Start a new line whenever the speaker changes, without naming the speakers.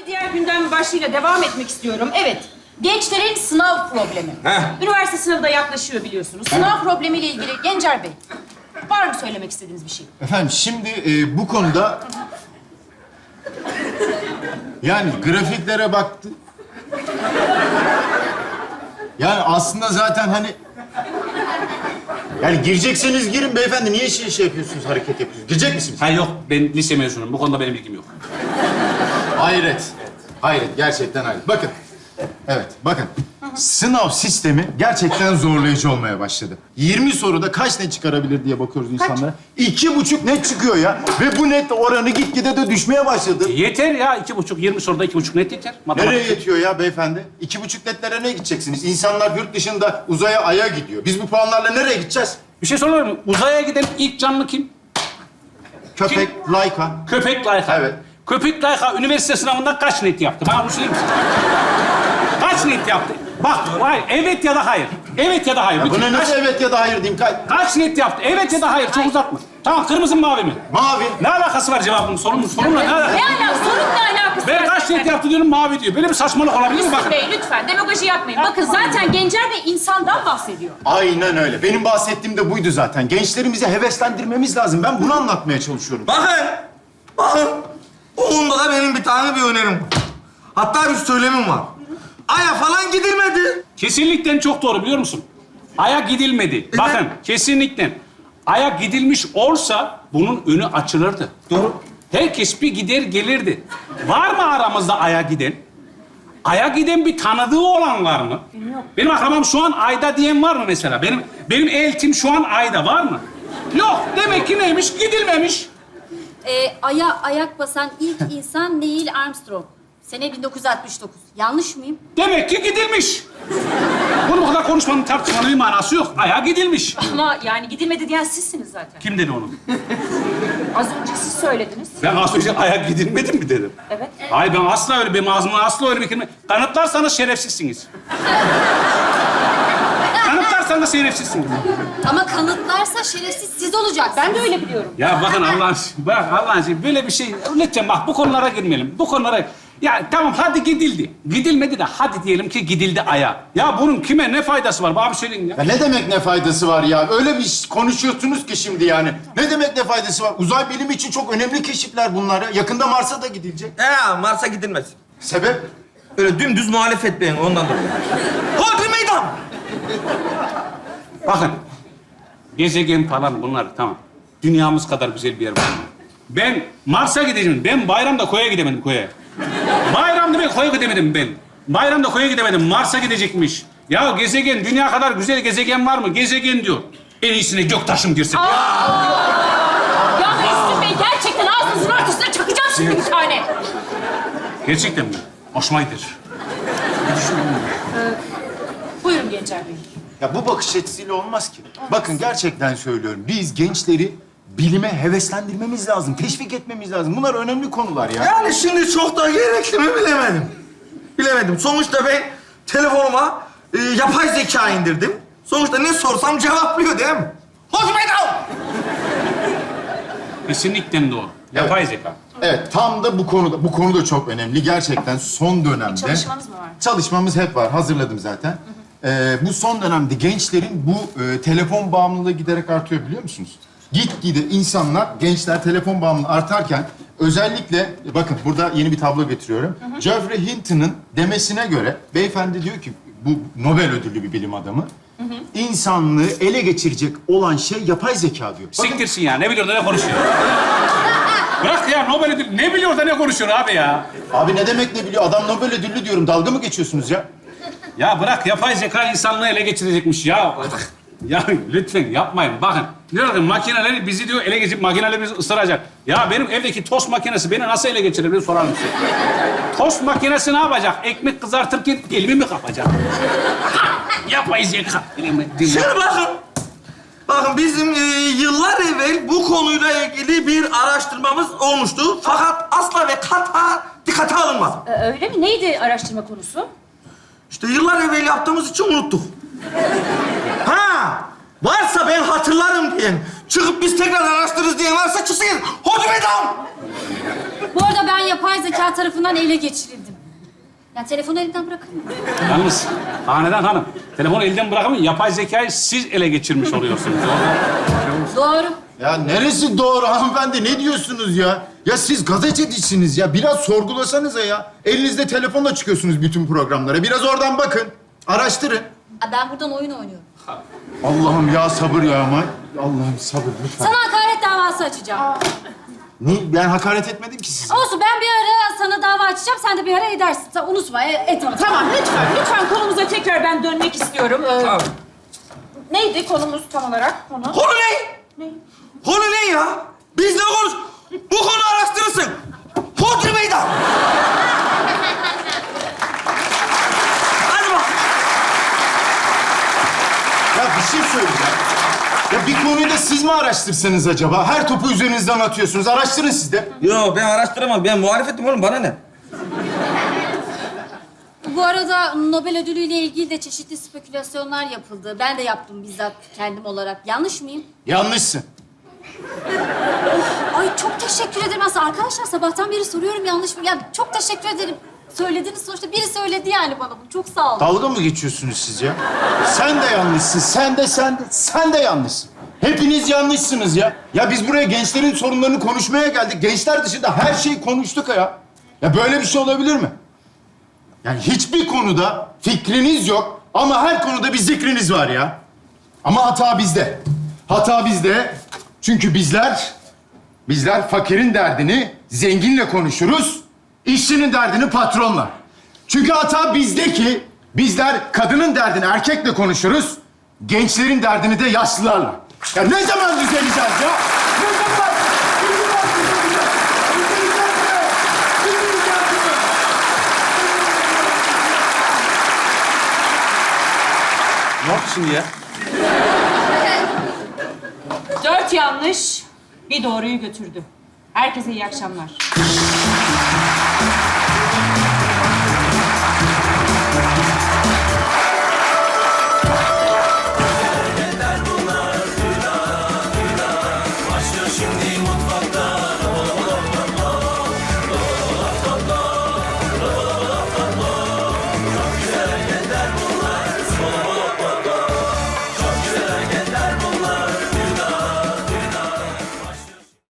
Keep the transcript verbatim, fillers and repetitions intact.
diğer gündem başlığıyla devam etmek istiyorum. Evet, gençlerin sınav problemi.
Heh.
Üniversite sınavı da yaklaşıyor biliyorsunuz. Sınav problemiyle ilgili Gencer Bey, var mı söylemek istediğiniz bir şey?
Efendim şimdi e, bu konuda... Yani grafiklere baktı... Yani aslında zaten hani... Yani girecekseniz girin beyefendi. Niye şey, şey yapıyorsunuz, hareket yapıyorsunuz? Girecek misiniz?
Ha yok, ben lise mezunuyum. Bu konuda benim bilgim yok.
Hayret. Hayret, gerçekten hayret. Bakın. Evet, bakın. Sınav sistemi gerçekten zorlayıcı olmaya başladı. yirmi soruda kaç net çıkarabilir diye bakıyoruz insanlara. İki buçuk net çıkıyor ya. Ve bu net oranı gitgide de düşmeye başladı.
Yeter ya, iki buçuk, yirmi soruda iki buçuk net yeter. Matematik.
Nereye yetiyor ya beyefendi? İki buçuk netlere ne gideceksiniz? İnsanlar yurt dışında uzaya, aya gidiyor. Biz bu puanlarla nereye gideceğiz?
Bir şey sorabilir miyim? Uzaya giden ilk canlı kim?
Köpek, Laika.
Köpek Layka.
Evet.
Köpek Layka üniversite sınavından kaç net yaptı? Bana bunu söyler misin? Kaç net yaptı? Bak, hayır, evet ya da hayır. Evet ya da hayır.
Ya
Bütün-
buna nasıl
kaç,
evet ya da hayır diyeyim? Ka-
kaç net yaptı? Evet ya da hayır. Çok uzatma. Tamam, kırmızı mı mavi mi?
Mavi.
Ne alakası var cevabın? Sorunun sorunla ne alakası?
Ne alakası, sorunla alakası
Ben
var
kaç
zaten.
net yaptı diyorum, mavi diyor. Böyle bir saçmalık olabilir mi?
Müslüm
Bakın.
Bey lütfen demagoji yapmayın. Bakın zaten Gencer Bey insandan bahsediyor.
Aynen öyle. Benim bahsettiğim de buydu zaten. Gençlerimizi heveslendirmemiz lazım. Ben bunu anlatmaya çalışıyorum.
Bakın, bakın. Bu konuda da benim bir tane bir önerim var. Hatta bir söylemim var. Aya falan gidilmedi.
Kesinlikle çok doğru, biliyor musun? Ay'a gidilmedi. Bakın, kesinlikle. Ay'a gidilmiş olsa bunun önü açılırdı.
Doğru.
Herkes bir gider gelirdi. Var mı aramızda Ay'a giden? Ay'a giden bir tanıdığı olan var mı? Yok. Benim akrabam şu an Ay'da diyen var mı mesela? Benim benim eltim şu an Ay'da var mı? Yok. Demek ki neymiş? Gidilmemiş.
Ee, aya ayak basan ilk insan Neil Armstrong. Sene bin dokuz yüz altmış dokuz. Yanlış mıyım?
Demek ki gidilmiş. Bunu bu kadar konuşmanın, tartışmanın bir manası yok. Ay'a gidilmiş.
Ama yani gidilmedi diyen sizsiniz zaten.
Kim dedi onu?
Az önce siz söylediniz.
Ben az önce Ay'a gidilmedi mi dedim?
Evet.
Hayır, ben asla öyle, benim ağzımdan asla öyle bir kelime... Kanıtlarsanız şerefsizsiniz. Kanıtlarsanız şerefsizsiniz.
Ama kanıtlarsa şerefsiz siz olacak.
Ben de öyle biliyorum.
Ya bakın Allah'ın, bak Allah'ın için böyle bir şey... Lütfen bak, bu konulara girmeyelim. Bu konulara... Ya tamam, hadi gidildi. Gidilmedi de hadi diyelim ki gidildi Ay'a. Ya bunun kime ne faydası var? Bana bir söyleyin ya.
Ya ne demek ne faydası var ya? Öyle bir iş konuşuyorsunuz ki şimdi yani. Ne demek ne faydası var? Uzay bilimi için çok önemli keşifler bunlar ya. Yakında Mars'a da gidilecek.
He, Mars'a gidilmez.
Sebep?
Öyle dümdüz muhalefet beyin ondan dolayı. Hodri meydan!
Bakın, gezegen falan bunlar tamam. Dünyamız kadar güzel bir yer var. Ben Mars'a gideceğim. Ben bayramda koya gidemedim, koya. Bayramda ben koya gidemedim ben. Bayramda koya gidemedim. Mars'a gidecekmiş. Ya gezegen, dünya kadar güzel gezegen var mı? Gezegen diyor. En iyisine göktaşım girsin.
Ya Müslüm Bey gerçekten ağzınızın ortasına çakacağım şimdi bir tane.
Gerçekten mi? Hoşuma gider.
Buyurun Gencer Bey.
Ya bu bakış açısıyla olmaz ki. Bakın gerçekten söylüyorum. Biz gençleri bilime heveslendirmemiz lazım. Teşvik etmemiz lazım. Bunlar önemli konular ya.
Yani şimdi çok da gerekli mi bilemedim. Bilemedim. Sonuçta ben telefonuma e, yapay zeka indirdim. Sonuçta ne sorsam cevaplıyor değil mi? Hodri meydan!
Kesinlikle doğru. Yapay zeka.
Evet, tam da bu konuda, bu konu da çok önemli. Gerçekten son dönemde...
Çalışmanız mı var?
Çalışmamız hep var. Hazırladım zaten. Ee, bu son dönemde gençlerin bu e, telefon bağımlılığı giderek artıyor biliyor musunuz? Gitgide insanlar, gençler telefon bağımlılığı artarken özellikle, bakın burada yeni bir tablo getiriyorum. Geoffrey Hinton'ın demesine göre, beyefendi diyor ki, bu Nobel ödüllü bir bilim adamı, insanlığı ele geçirecek olan şey yapay zeka diyor. Bakın,
Siktirsin ya. Ne biliyor da ne konuşuyor? Bırak ya, Nobel ödülü. Ne biliyor da ne konuşuyor abi ya?
abi ne demek ne biliyor? Adam Nobel ödüllü diyorum. Dalga mı geçiyorsunuz ya?
Ya bırak, yapay zeka insanlığı ele geçirecekmiş ya. Ya lütfen yapmayın. Bakın, diyor ki makineler bizi diyor ele geçirip makineler bizi ısıracak. Ya benim evdeki tost makinesi beni nasıl ele geçirebilir sorar mısın? Tost makinesi ne yapacak? Ekmek kızartırken elimi mi kapacak? Yapay zeka.
Şimdi bakın. Bakın bizim e, yıllar evvel bu konuyla ilgili bir araştırmamız olmuştu. Fakat asla ve kata dikkate alınmadı.
Ee, öyle mi? Neydi araştırma konusu?
İşte yıllar evvel yaptığımız için unuttuk. Ha! Varsa ben hatırlarım diyen, çıkıp biz tekrar araştırırız diyen varsa çıksın. Hodri meydan!
Bu arada ben yapay zeka tarafından ele geçirildim. Yani telefonu elinden bırakır mı?
Yalnız Hanedan Hanım, telefonu elden bırakmayın. Yapay zekayı siz ele geçirmiş oluyorsunuz.
Doğru.
Ya neresi doğru hanımefendi? Ne diyorsunuz ya? Ya siz gazetecisiniz ya. Biraz sorgulasanıza ya. Elinizde telefonla çıkıyorsunuz bütün programlara. Biraz oradan bakın. Araştırın.
Aa, ben buradan oyun oynuyorum.
Allah'ım ya sabır ya aman. Allah'ım sabır lütfen.
Sana hakaret davası açacağım.
Ne? Ben hakaret etmedim ki size.
Olsun, ben bir ara sana dava açacağım, sen de bir ara edersin. Sen unutma, e, et ama.
Tamam lütfen, lütfen konumuza tekrar ben dönmek istiyorum. Ee,
Tamam.
Neydi konumuz tam olarak? Konu?
Konu ne?
Ne?
Konu ne ya? Biz ne konuş? Bu konu araştırırsın. Hodri meydan. Hadi bak.
Ya bir şey söyleyeceğim. Ya bir konuyu da siz mi araştırsanız acaba? Her topu üzerinizden atıyorsunuz. Araştırın siz de.
Yo ben araştıramam. Ben muhalefetim oğlum. Bana ne?
Bu arada Nobel ödülüyle ilgili de çeşitli spekülasyonlar yapıldı. Ben de yaptım bizzat kendim olarak. Yanlış mıyım?
Yanlışsın.
Ay çok teşekkür ederim aslında. Arkadaşlar sabahtan beri soruyorum yanlış mı? Ya çok teşekkür ederim. Söylediniz sonuçta. Biri söyledi yani bana bunu. Çok sağ olun.
Dalga mı geçiyorsunuz siz ya? Sen de yanlışsın. Sen de, sen de, sen de yanlışsın. Hepiniz yanlışsınız ya. Ya biz buraya gençlerin sorunlarını konuşmaya geldik. Gençler dışında her şeyi konuştuk ya. Ya böyle bir şey olabilir mi? Yani hiçbir konuda fikriniz yok ama her konuda bir zikriniz var ya. Ama hata bizde. Hata bizde. Çünkü bizler, bizler fakirin derdini zenginle konuşuruz, işçinin derdini patronla. Çünkü hata bizde ki bizler kadının derdini erkekle konuşuruz, gençlerin derdini de yaşlılarla. Ya ne zaman düzeleceğiz ya? Ne zaman? Ne zaman düzeleceğiz? Düzeleceğiz mi? Düzeleceğiz mi?
Ne oldu şimdi ya?
Dört yanlış, bir doğruyu götürdü. Herkese iyi akşamlar.